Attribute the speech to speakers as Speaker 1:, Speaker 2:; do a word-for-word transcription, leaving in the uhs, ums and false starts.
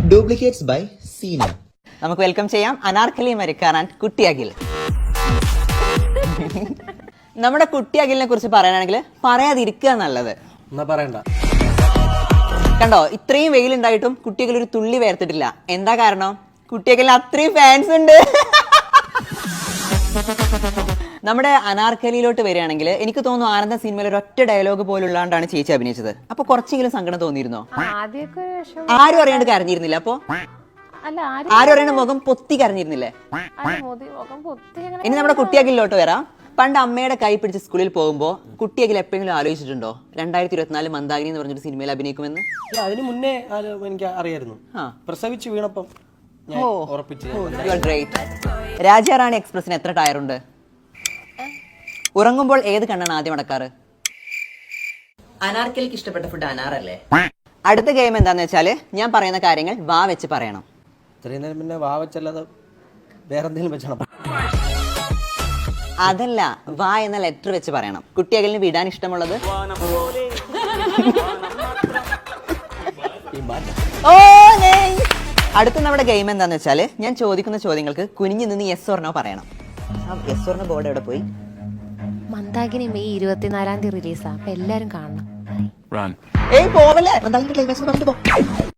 Speaker 1: Duplicates by Seena.
Speaker 2: നമുക്ക് welcome ചെയ്യാം അനാർക്കലി മരിക്കാൻ ആൻഡ് കുട്ടി അഖിൽ. നമ്മുടെ കുട്ടി അഖിലിനെ കുറിച്ച് പറയാനാണെങ്കിൽ പറയാതിരിക്കുക നല്ലത്. കണ്ടോ, ഇത്രയും വെയിലുണ്ടായിട്ടും കുട്ടി അഖിൽ ഒരു തുള്ളി വേർത്തിട്ടില്ല. എന്താ കാരണം? കുട്ടി അഖിലിന് അത്രയും ഫാൻസ് ഉണ്ട്. നമ്മുടെ അനാർക്കലിയിലോട്ട് വരികയാണെങ്കിൽ എനിക്ക് തോന്നുന്നു ആനന്ദ സിനിമയിൽ ഒരൊറ്റ ഡയലോഗ് പോലുള്ളതാണ് ചേച്ചി അഭിനയിച്ചത്. അപ്പൊ കുറച്ചെങ്കിലും സങ്കടം തോന്നിയിരുന്നോ? ആരും അറിയാണ്ട് കരഞ്ഞിരുന്നില്ല? അപ്പൊ ആരും അറിയാണ്ട് മുഖം പൊത്തി കരഞ്ഞിരുന്നില്ലേ? ഇനി നമ്മുടെ കുട്ടിയകിലോട്ട് വരാം. പണ്ട് അമ്മയുടെ കൈ പിടിച്ച് സ്കൂളിൽ പോകുമ്പോൾ കുട്ടിയകിൽ എപ്പോഴെങ്കിലും ആലോചിച്ചിട്ടുണ്ടോ രണ്ടായിരത്തി ഇരുപത്തിനാല് മന്ദാകിനി എന്ന് പറഞ്ഞൊരു സിനിമയിൽ അഭിനയിക്കുമെന്ന്?
Speaker 3: അതിന് മുന്നേ എനിക്ക് അറിയായിരുന്നു. പ്രസവിച്ച് വീണപ്പം
Speaker 2: രാജാറാണി എക്സ്പ്രസിന് എത്ര ടയറുണ്ട്? ഉറങ്ങുമ്പോൾ ഏത് കണ്ണാണ് ആദ്യം അടക്കാറ്? അനാർക്കലിക്ക് ഇഷ്ടപ്പെട്ട ഫുഡ് അനാറല്ലേ? അടുത്ത ഗെയിം എന്താന്ന് വെച്ചാല് ഞാൻ പറയുന്ന കാര്യങ്ങൾ വാ വെച്ച് പറയണം.
Speaker 3: ഇത്രയും നേരം പിന്നെ വാ വെച്ചല്ലാതെ വേറെ എന്തെങ്കിലും വെച്ചണം.
Speaker 2: അതല്ല, വാ എന്ന ലെറ്റർ വെച്ച് പറയണം. കുട്ടിയകലിന് വിടാൻ ഇഷ്ടമുള്ളത് അടുത്ത നമ്മുടെ ഗെയിം എന്താന്ന് വെച്ചാല് ഞാൻ ചോദിക്കുന്ന ചോദ്യങ്ങൾക്ക് കുനിഞ്ഞു നിന്ന് യെസ് ഓർനോ പറയണം. യെസ് ഓർനോ ബോർഡ് എവിടെ പോയി?
Speaker 4: മന്ദാകിനി മെയ് ഇരുപത്തിനാലാം തീയതി റിലീസാ, അപ്പൊ എല്ലാരും കാണണം.
Speaker 2: ഏയ് പോവല്ലേ, മന്ദാകിനി ക്ലൈമാക്സ് പറഞ്ഞിട്ട് പോ.